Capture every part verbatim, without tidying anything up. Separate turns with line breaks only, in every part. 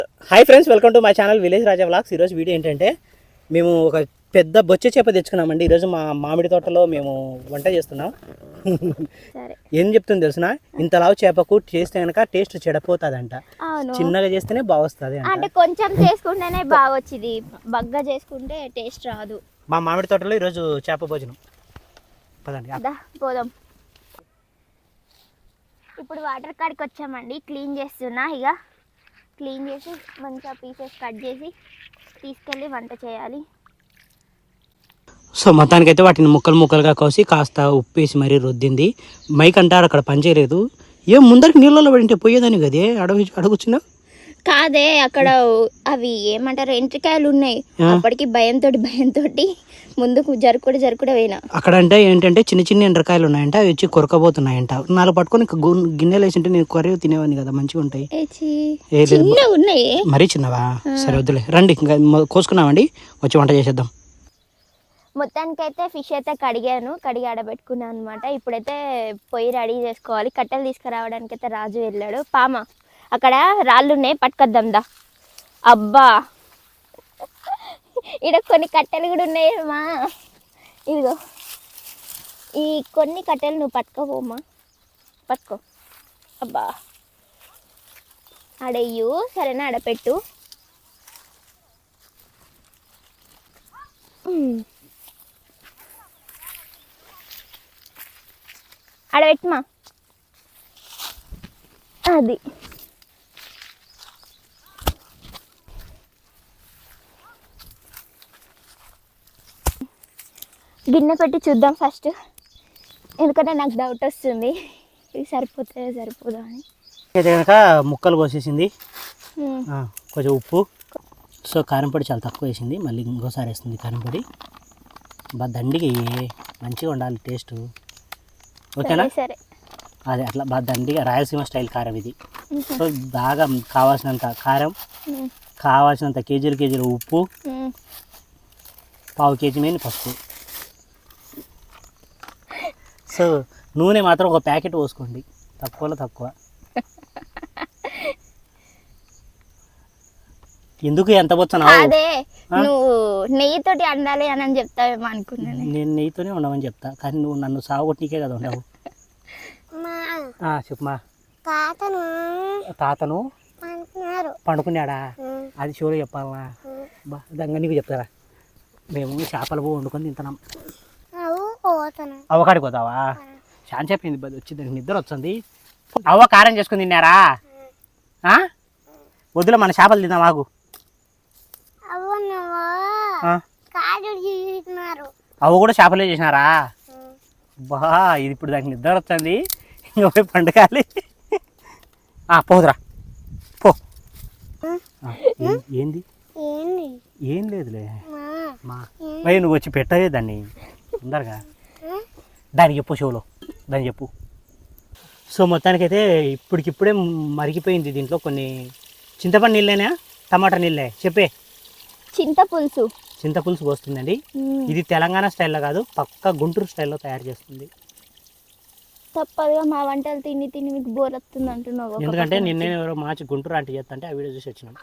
Hi friends, welcome to my channel village Raja vlogs. ఈరోజు video ఏంటంటే మేము ఒక పెద్ద బొచ్చ చేప తెచ్చుకున్నామండి. ఈరోజు మా మామిడి తోటలో మేము వంట చేస్తున్నాం. ఏం చెప్తుంది తెలుసునా, ఇంత లావు చేపకు చేస్తే కనుక టేస్ట్ చెడపోతుందంట. చిన్నగా చేస్తేనే బాగా వస్తుంది
అంటే కొంచెం చేసుకుంటేనే బాగా వచ్చింది, బగ్గా చేసుకుంటే టేస్ట్ రాదు.
మా మామిడి తోటలో ఈరోజు చేప భోజనం. పదండి
పోదాం. ఇప్పుడు వాటర్ కాడికి వచ్చామండి. క్లీన్ చేస్తున్నా. ఇక క్లీన్ చేసి మంచిగా పీసెస్ కట్ చేసి తీసుకెళ్ళి వంట చేయాలి.
సో మొత్తానికైతే వాటిని ముక్కలు ముక్కలుగా కోసి కాస్త ఉప్పేసి మరీ రుద్దింది. మైక్ అంటారు అక్కడ పనిచేయలేదు. ఏం ముందరికి నీళ్ళలో పడింటే పోయేదాన్ని కదే అడవి అడుగుచున్నా.
కాదే, అక్కడ అవి ఏమంటారు ఎంట్రికాయలు ఉన్నాయి. అప్పటికి భయంతో భయంతో ముందుకు జరుకుడు జరుకుడు పోయినా. అక్కడ
అంటే ఏంటంటే చిన్న చిన్న ఎండ్రకాయలు ఉన్నాయంట, అవి వచ్చి కొరకబోతున్నాయంట. నాలుగు పట్టుకొని గిన్నెలు వేసింటే నేను కొరవ తినేవాడిని కదా, మంచిగా ఉంటాయి.
ఉన్నాయి
మరీ చిన్నవా? సరే వద్దులే, రండి ఇంకా కోసుకున్నామండి, వచ్చి వంట చేసేద్దాం.
మొత్తానికైతే ఫిష్ అయితే కడిగాను, కడిగి ఆడబెట్టుకున్నాను అనమాట. ఇప్పుడైతే పొయ్యి రెడీ చేసుకోవాలి. కట్టెలు తీసుకురావడానికి అయితే రాజు వెళ్ళాడు. పామ అక్కడ రాళ్ళు ఉన్నాయి, పట్టుకొద్దాం దా. అబ్బా, ఇక్కడ కొన్ని కట్టెలు కూడా ఉన్నాయమ్మా. ఇదిగో ఈ కొన్ని కట్టెలు నువ్వు పట్టుకోపోమ్మా, పట్టుకో. అబ్బా ఆడయ్యు, సరేనా, ఆడపెట్టు. ఆడపెట్టుమా. అది గిన్నె పెట్టి చూద్దాం ఫస్ట్, ఎందుకంటే నాకు డౌట్ వస్తుంది ఇది సరిపోతే సరిపోదా అని.
అయితే కనుక ముక్కలు కోసేసింది, కొంచెం ఉప్పు, సో కారం పొడి చాలా తక్కువ వేసింది. మళ్ళీ ఇంకోసారి వేస్తుంది కారం పొడి. బా దండికి మంచిగా ఉండాలి టేస్ట్, ఓకేనా?
సరే,
అదే అట్లా బాగా దండిగా రాయలసీమ స్టైల్ కారం ఇది. సో బాగా కావాల్సినంత కారం, కావాల్సినంత కేజీలు కేజీలు ఉప్పు, పావు కేజీ మీద పసుపు. సో నూనె మాత్రం ఒక ప్యాకెట్ పోసుకోండి, తక్కువలో తక్కువ. ఎందుకు ఎంత పోతున్నా?
అదే నువ్వు నెయ్యితోటి వండాలి అని చెప్తావేమో అనుకున్నాను.
నేను నెయ్యితోనే ఉండమని చెప్తా, కానీ నువ్వు నన్ను సాగొట్టికే కదా ఉండవు. చెప్పమా.
తాతను
తాతను పండుకున్నాడా? అది షోలో చెప్పాలనా? బా దంగా నీకు చెప్తారా? మేము చేపలు పో వండుకొని తింటున్నాం. అవ్వకాడికి పోతావా? చాలా చెప్పింది వచ్చి దానికి నిద్ర వచ్చింది. అవ్వ కారం చేసుకుని తిన్నారా? వద్దులే, మన చేపలు తిందాం. మాకు అవ్వ కూడా చేపలే చేసినారా? బా ఇది ఇప్పుడు దానికి నిద్ర వచ్చింది, ఇంకా పోయి పండుగాలి. పోదురా పో. ఏంది? ఏం లేదులే మా భయ, నువ్వు వచ్చి పెట్టదే దాన్ని తొందరగా. దానికి చెప్పు, షోలో దాన్ని చెప్పు. సో మొత్తానికైతే ఇప్పటికిప్పుడే మరిగిపోయింది. దీంట్లో కొన్ని చింతపండు నీళ్ళేనా, టమాటా నీళ్ళే? చెప్పే.
చింతపులుసు.
చింతపులుసు పోస్తుందండి. ఇది తెలంగాణ స్టైల్లో కాదు, పక్క గుంటూరు స్టైల్లో తయారు చేస్తుంది.
తప్పదుగా, మా వంటలు తిని తిని మీకు బోర్ వస్తుంది అంటున్నావు.
ఎందుకంటే నిన్నే ఎవరో మార్చి గుంటూరు అంటే చేస్తా అంటే ఆ వీడియో చూసి వచ్చినాం.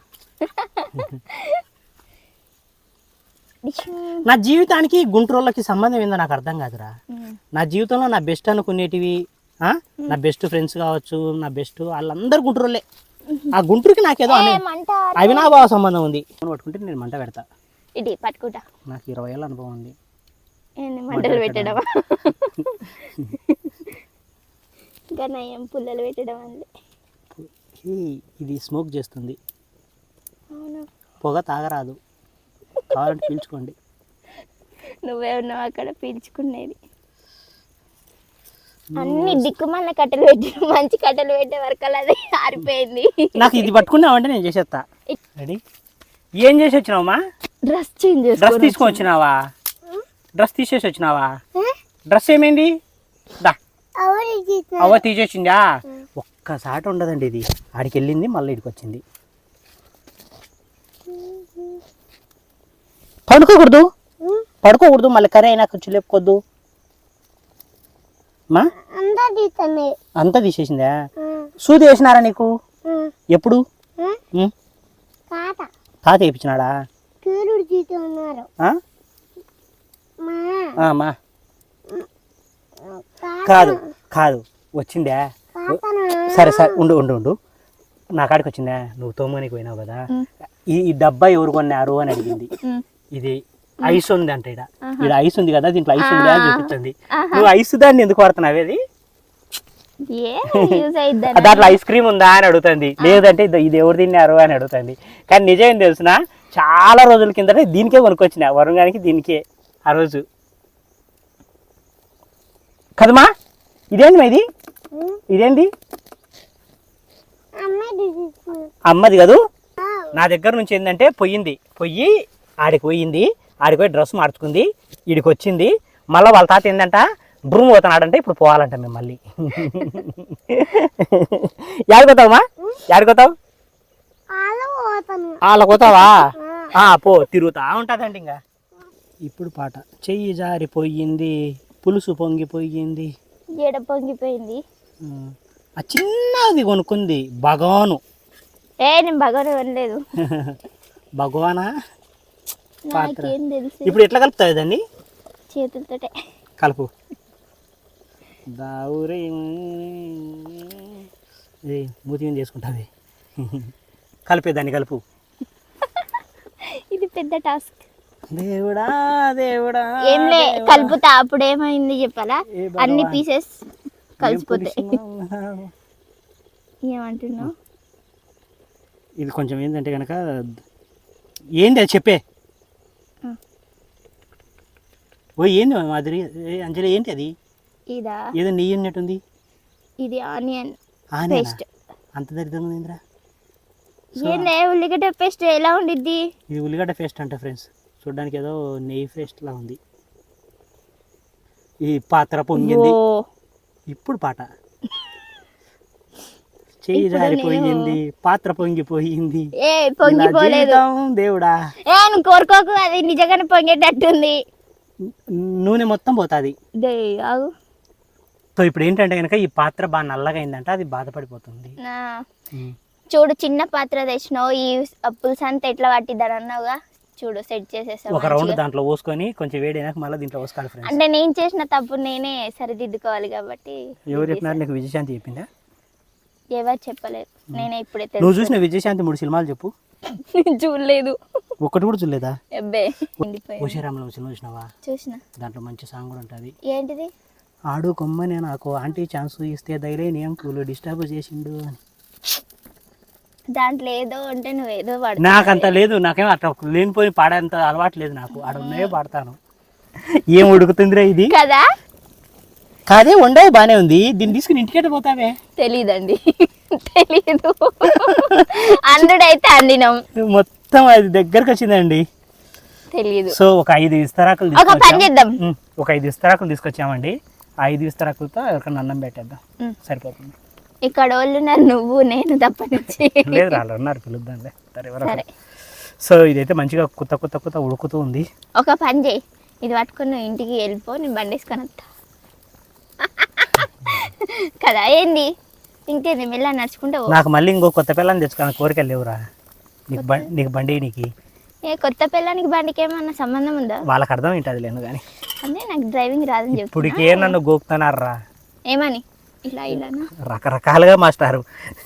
నా జీవితానికి గుంటూరులకి సంబంధం ఏందో నాకు అర్థం కాదురా. నా జీవితంలో నా బెస్ట్ అనుకునేటివి, నా బెస్ట్ ఫ్రెండ్స్ కావచ్చు, నా బెస్ట్ వాళ్ళందరూ గుంటూరులే. ఆ గుంటూరుకి నాకేదో అవినాభావ సంబంధం ఉంది. పట్టుకుంటే నేను మంట పెడతా.
ఇది పట్టుకుంటా.
నాకు ఇరవై ఏళ్ళ అనుభవం ఉంది
మంటలు పెట్టడం, గనయం పుల్లలు పెట్టడం.
ఇది స్మోక్ చేస్తుంది, పొగ తాగరాదు, కావాలంటే పీల్చుకోండి.
నువ్వే ఉన్నావు అక్కడ పీల్చుకునేది. అన్ని దిక్కుమల్ల కట్టెలు పెట్టి మంచి కట్టెలు పెట్టే వరకు అది ఆరిపోయింది.
నాకు ఇది పట్టుకున్నావంటే నేను చేసేస్తా. రెడీ? ఏం చేసి వచ్చినావమ్మా?
డ్రెస్ చేంజ్ చేసి
డ్రెస్ తీసుకొని వచ్చినావా? డ్రెస్ తీసేసి వచ్చినావా? డ్రెస్ ఏమైంది? దా అవ్వ తీసేసిందా? ఒక్కసారి ఉండదండి ఇది. ఆడికి వెళ్ళింది, మళ్ళీ ఇడికి వచ్చింది. పడుకోకూడదు, పడుకోకూడదు, మళ్ళీ కర్రీ అయినా కొంచెం లేపుకోద్దు. అంతా తీసేసిందా? సూది వేసినారా నీకు? ఎప్పుడు? తాత వేయించినాడా మా కాదు కాదు వచ్చిందా సరే సరే ఉండు ఉండు ఉండు నా కాడికి వచ్చిందా నువ్వు తోమనికి పోయినావు కదా ఈ ఈ డబ్బా ఎవరు కొన్నారు అని అడిగింది ఇది ఐస్ ఉంది అంట ఇడ ఇది ఐస్ ఉంది కదా దీంట్లో ఐస్ ఉంది అని చూపించింది నువ్వు ఐస్ దాన్ని ఎందుకు వాడుతున్నావు అది దాంట్లో ఐస్ క్రీమ్ ఉందా అని అడుగుతుంది లేదంటే ఇది ఎవరు తిన్నారు అని అడుగుతుంది కానీ నిజం తెలుసునా చాలా రోజుల కిందట దీనికే కొనుక్కొచ్చిన వరుణానికి దీనికే ఆ రోజు కదమ్మా ఇదేంటి మా ఇది ఇదేంటి అమ్మది కదూ నా దగ్గర నుంచి ఏంటంటే పోయింది పొయ్యి ఆడికి పోయింది ఆడికి పోయి డ్రెస్ మార్చుకుంది ఈడికి వచ్చింది మళ్ళీ వాళ్ళ తాత ఏంటంట బ్రూమ్ పోతున్నాడంటే ఇప్పుడు పోవాలంట మేము మళ్ళీ యాడిపోతావమ్మా యాడిపోతావు వాళ్ళ పోతావా పో తిరుగుతా ఉంటుందండి ఇంకా ఇప్పుడు పాట చెయ్యి జారిపోయింది పులుసు పొంగిపోయింది
ఏడ పొంగిపోయింది
ఆ చిన్నది కొనుక్కుంది భగవాను
ఏ నేను భగవాను కొనలేదు
భగవానా పాత్ర ఇప్పుడు ఎట్లా కలుపుతావు దాన్ని
చేతులతోటే
కలుపు దావురే మూతి మీద చేసుకుంటుంది కలిపేదాన్ని కలుపు
ఇది పెద్ద టాస్క్
దేవుడా దేవుడా
ఏంలే కలుపుతా అప్పుడు ఏమైంది చెప్పాలా అన్ని పీసెస్ కలిసిపోతాయి ఏమంటున్నావు
ఇది కొంచెం ఏంటంటే కనుక ఏంది అది చెప్పే ఓ ఏంది మాదిరి అంజలి ఏంటి అది
ఇదా
ఏదో నెయ్యి ఉన్నట్టుంది
ఇది ఆనియన్
పేస్ట్ అంత దరిద్రంగా ఉందిరా
ఏంలే ఉల్లిగడ్డ పేస్ట్ ఎలా ఉండిద్ది
ఇది ఉల్లిగడ్డ పేస్ట్ అంట ఫ్రెండ్స్ చూడడానికి ఏదో నెయ్యి పేస్ట్ లా ఉంది ఈ పాత్ర పొంగింది ఇప్పుడు పాట చెయ్యి జారిపోయింది పాత్ర పొంగిపోయింది
ఏ పొంగిపోలేదు
దేవుడా
ఏ నువ్వు కోరుకోకు అది నిజంగానే పొంగేటట్టుంది
నూనె మొత్తం పోతుంది
ఆగు
సో ఇప్పుడు ఏంటంటే కనుక ఈ పాత్ర బాగా నల్లగా అయిందంట అది బాధపడిపోతుంది
చూడు చిన్న పాత్ర తెచ్చినావు ఈ పులుసు అంతా ఎట్లా పట్టిద్దని అన్నావుగా చూడు సెట్ చేసేసా
ఒక రౌండ్ దాంట్లో పోసుకొని కొంచెం వేడినాక మళ్ళీ దీంట్లో పోసుకోవాలి ఫ్రెండ్స్
అంటే నేను చేసిన తప్పు నేనే సరిదిద్దుకోవాలి కాబట్టి
ఎవరు చెప్పినారు నీకు విజయశాంతి చెప్పిందా
ఎవరు చెప్పలేదు నేనే ఇప్పుడే
నువ్వు చూసిన విజయశాంతి మూడు సినిమాలు చెప్పు
చూడలేదు
ఒకటి కూడా చూడలేదా
అబ్బే
ఉషారామలో సినిమా చూసినావా
చూసిన
దాంట్లో మంచి సాంగ్ కూడా ఉంటుంది
ఏంటిది
ఆడు కొమ్మని నాకు ఆంటీ ఛాన్స్ ఇస్తే ధైర్యం అంకులు డిస్టర్బ్ చేసిండు అని
దాంట్లో ఏదో అంటే నువ్వు ఏదో పాడు
నాకంత లేదు నాకేమో అట్లా లేనిపోయి పాడేంత అలవాటు లేదు నాకు ఆడ ఉన్నాయో పాడతాను ఏం ఉడుకుతుందిరా ఇది
కదా
కాదే వండే బానే ఉంది దీన్ని తీసుకుని ఇంటికెట్ పోతావే
తెలీదండి తెలీదు అందుడైతే అండినాం
మొత్తం అది దగ్గరకు వచ్చిందండి
తెలీదు
సో ఒక ఐదు ఇస్తరాకులు
ఒక పని చేద్దాం
ఒక ఐదు ఇస్తరాకులు తీసుకొచ్చామండి ఐదు ఇస్తరాకులతో ఎక్కడ అన్నం పెట్టేద్దాం సరిపోతుంది
ఇక్కడ వాళ్ళు ఉన్నారు నువ్వు నేను తప్ప నుంచి
లేదు వాళ్ళు ఉన్నారు పిలుద్దాంలే సరే సో ఇదైతే మంచిగా కొత్త కొత్త కొత్త ఉడుకుతూ ఉంది
ఒక పని చేయి ఇది పట్టుకుని నువ్వు ఇంటికి వెళ్ళిపో నేను బండి వేసుకొని వస్తా కదా ఏంది ఇంకేంది మెల్ల నడుచుకుంటా
నాకు మళ్ళీ ఇంకో కొత్త పిల్లని తెచ్చుకోవాలి కోరికలు లేవురా నీకు బండి నీకు బండి నీకు
ఏ కొత్త పిల్లానికి బండికి ఏమన్నా సంబంధం ఉందా
వాళ్ళకి అర్థం ఏంటది లేను కానీ
అంటే నాకు డ్రైవింగ్ రాదని చెప్పి
ఇప్పటికే నన్ను గోపుతున్నారా
ఏమని ఇలా ఇలా
రకరకాలుగా మాస్టారు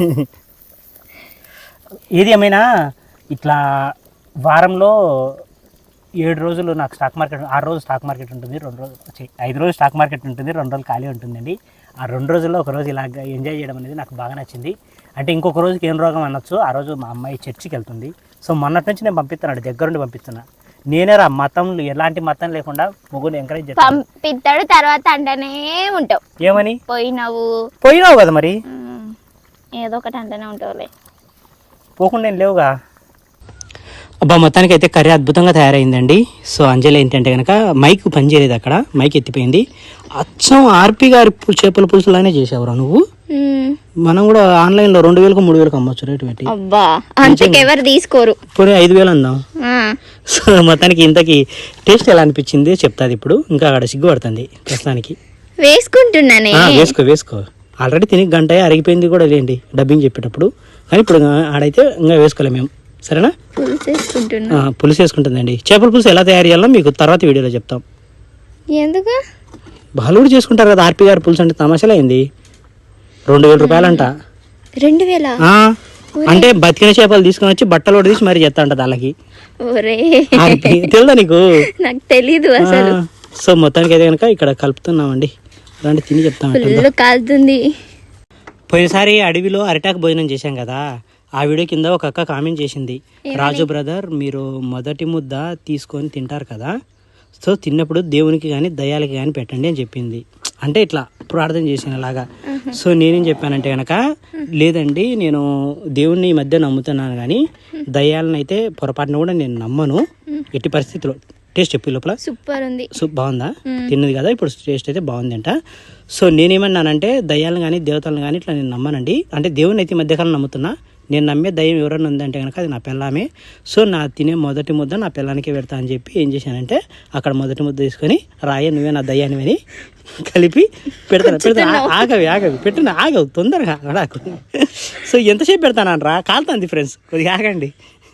ఏది ఏమైనా ఇట్లా వారంలో ఏడు రోజులు నాకు స్టాక్ మార్కెట్ ఆరు రోజులు స్టాక్ మార్కెట్ ఉంటుంది రెండు రోజులు ఐదు రోజులు స్టాక్ మార్కెట్ ఉంటుంది రెండు రోజులు ఖాళీ ఉంటుందండి ఆ రెండు రోజుల్లో ఒక రోజు ఇలా ఎంజాయ్ చేయడం అనేది నాకు బాగా నచ్చింది అంటే ఇంకొక రోజుకి ఏం రోగం అనొచ్చు ఆ రోజు మా అమ్మాయి చర్చికి వెళ్తుంది సో మొన్నటి నుంచి నేను పంపిస్తున్నాడు దగ్గరుండి పంపిస్తున్నా నేనే రా మతం ఎలాంటి మతం లేకుండా ముగ్గురు ఎంకరేజ్ చేస్తాను
పంపిస్తాడు తర్వాత అంటనే ఉంటావు
ఏమని
పోయినావు
పోయినావు కదా మరి
ఏదో ఒకటి అంటనే ఉంటావులే
పోకుండా ఏం లేవుగా అబ్బా మొత్తానికి అయితే కర్రీ అద్భుతంగా తయారైందండి సో అంజలి ఏంటంటే కనుక మైక్ పనిచేయలేదు అక్కడ మైక్ ఎత్తిపోయింది అచ్చం ఆర్పి గారి చేపల పులుసులానే చేసావురా నువ్వు మనం కూడా ఆన్లైన్ లో రెండు వేలకు మూడు వేలకు అమ్మొచ్చు రేటు పెట్టి
అబ్బా అంతకెవరు తీసుకోరు
పోనీ ఐదు వేలు అందాం సో మొత్తానికి ఇంతకి టేస్ట్ ఎలా అనిపించింది చెప్తాది ఇప్పుడు ఇంకా అక్కడ సిగ్గుపడుతుంది ప్రస్తుతానికి
వేసుకుంటున్నానే
వేసుకో వేసుకో ఆల్రెడీ తిని గంట అరిగిపోయింది కూడా లేండి డబ్బింగ్ చెప్పేటప్పుడు కానీ ఇప్పుడు ఆడైతే ఇంకా వేసుకోలేము మేము సరేనా?
పులుసు వేసుకుంటున్నా.
ఆ, పులుసు వేసుకుంటుందండి. చేపల పులుసు ఎలా తయారు చేయాలో మీకు తర్వాత వీడియోలో చెప్తాం.
ఎందుకు?
వాళ్ళు కూడా చేసుకుంటారు కదా ఆర్పి గారు పులుసు అంటే తమాషాలు అయింది. రెండు వేల రూపాయలంట.
రెండు వేల
ఆ, అంటే బతికిన చేపలు తీసుకొని వచ్చి బట్టలు కూడా తీసి మరి చేస్తా అంటది వాళ్ళకి.
ఒరే
తెలుదా నీకు?
నాకు తెలీదు అసలు.
ఆ, సో మొత్తానికి అయితే కనుక ఇక్కడ కలుపుతున్నామండి. అలాంటి తిని చెప్తాం.
ఫుల్ కాలుతుంది.
పోయినసారి అడవిలో అరిటాకు భోజనం చేశాం కదా, ఆ వీడియో కింద ఒక అక్క కామెంట్ చేసింది, రాజు బ్రదర్ మీరు మొదటి ముద్ద తీసుకొని తింటారు కదా, సో తిన్నప్పుడు దేవునికి కానీ దయ్యాలకి కానీ పెట్టండి అని చెప్పింది. అంటే ఇట్లా ప్రార్థన చేసిన లాగా. సో నేనేం చెప్పానంటే కనుక లేదండి నేను దేవుణ్ణి ఈ మధ్య నమ్ముతున్నాను కానీ దయ్యాలను అయితే పొరపాటున కూడా నేను నమ్మను ఎట్టి పరిస్థితిలో. టేస్ట్ చెప్పి లోపల
సూపర్ ఉంది.
సూప్ బాగుందా? తిన్నది కదా ఇప్పుడు టేస్ట్ అయితే బాగుంది అంట. సో నేనేమన్నానంటే దయ్యాలను కానీ దేవతలను కానీ ఇట్లా నేను నమ్మనండి, అంటే దేవుని అయితే ఈ మధ్యకాలం నమ్ముతున్నా. నేను నమ్మే దయ్యం ఎవరైనా ఉందంటే కనుక అది నా పిల్లమే. సో నా తినే మొదటి ముద్ద నా పిల్లానికే పెడతా అని చెప్పి ఏం చేశానంటే అక్కడ మొదటి ముద్ద తీసుకొని రాయ నువ్వే నా దయ్యాన్ని అని కలిపి పెడతాను. పెడతాను ఆగవి ఆగవి పెట్టిన ఆగవు తొందరగా అడాకు. సో ఎంతసేపు పెడతాను రా కాలుతుంది ఫ్రెండ్స్, కొద్దిగా ఆగండి.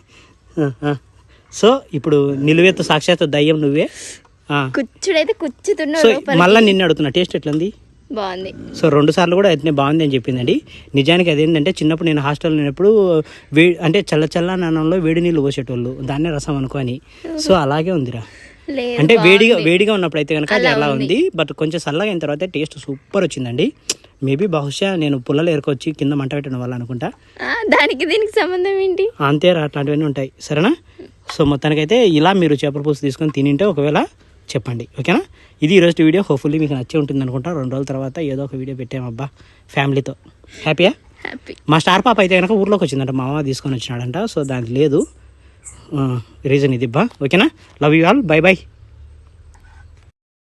సో ఇప్పుడు నిలువెత్తు సాక్షాత్ దయ్యం నువ్వే.
కుచ్చుడైతే
సో
కుచ్చుతున్నాడు.
మళ్ళీ నిన్ను అడుగుతున్నా టేస్ట్ ఎట్లుంది?
బాగుంది.
సో రెండు సార్లు కూడా అట్నే బాగుంది అని చెప్పిందండి. నిజానికి అదేంటంటే చిన్నప్పుడు నేను హాస్టల్లో ఉన్నప్పుడు వే అంటే చల్ల చల్ల నానంలో వేడి నీళ్ళు పోసేటోళ్ళు, దాన్నే రసం అనుకోని. సో అలాగే ఉందిరా, అంటే వేడిగా వేడిగా ఉన్నప్పుడు అయితే కనుక అది అలా ఉంది, బట్ కొంచెం చల్లగా అయిన తర్వాత టేస్ట్ సూపర్ వచ్చిందండి. మేబీ బహుశా నేను పుల్లలు ఏరుకొచ్చి కింద మంట పెట్టడం వల్ల అనుకుంటా.
దానికి దీనికి సంబంధం ఏంటి?
అంతేరా, అట్లాంటివన్నీ ఉంటాయి. సరేనా? సో మొత్తానికైతే ఇలా మీరు చేపల పులుసు తీసుకొని తినింటే ఒకవేళ చెప్పండి, ఓకేనా? ఇది ఈరోజు వీడియో. హోప్ఫుల్లీ మీకు నచ్చే ఉంటుంది అనుకుంటా. రెండు రోజుల తర్వాత ఏదో ఒక వీడియో పెట్టామబ్బా ఫ్యామిలీతో. హ్యాపీయా?
హ్యాపీ.
మా స్టార్ పాప అయితే కనుక ఊర్లోకి వచ్చిందంట, మా అమ్మ తీసుకొని వచ్చినాడంట. సో దానికి లేదు రీజన్ ఇది బా. ఓకేనా? Love you all, bye by.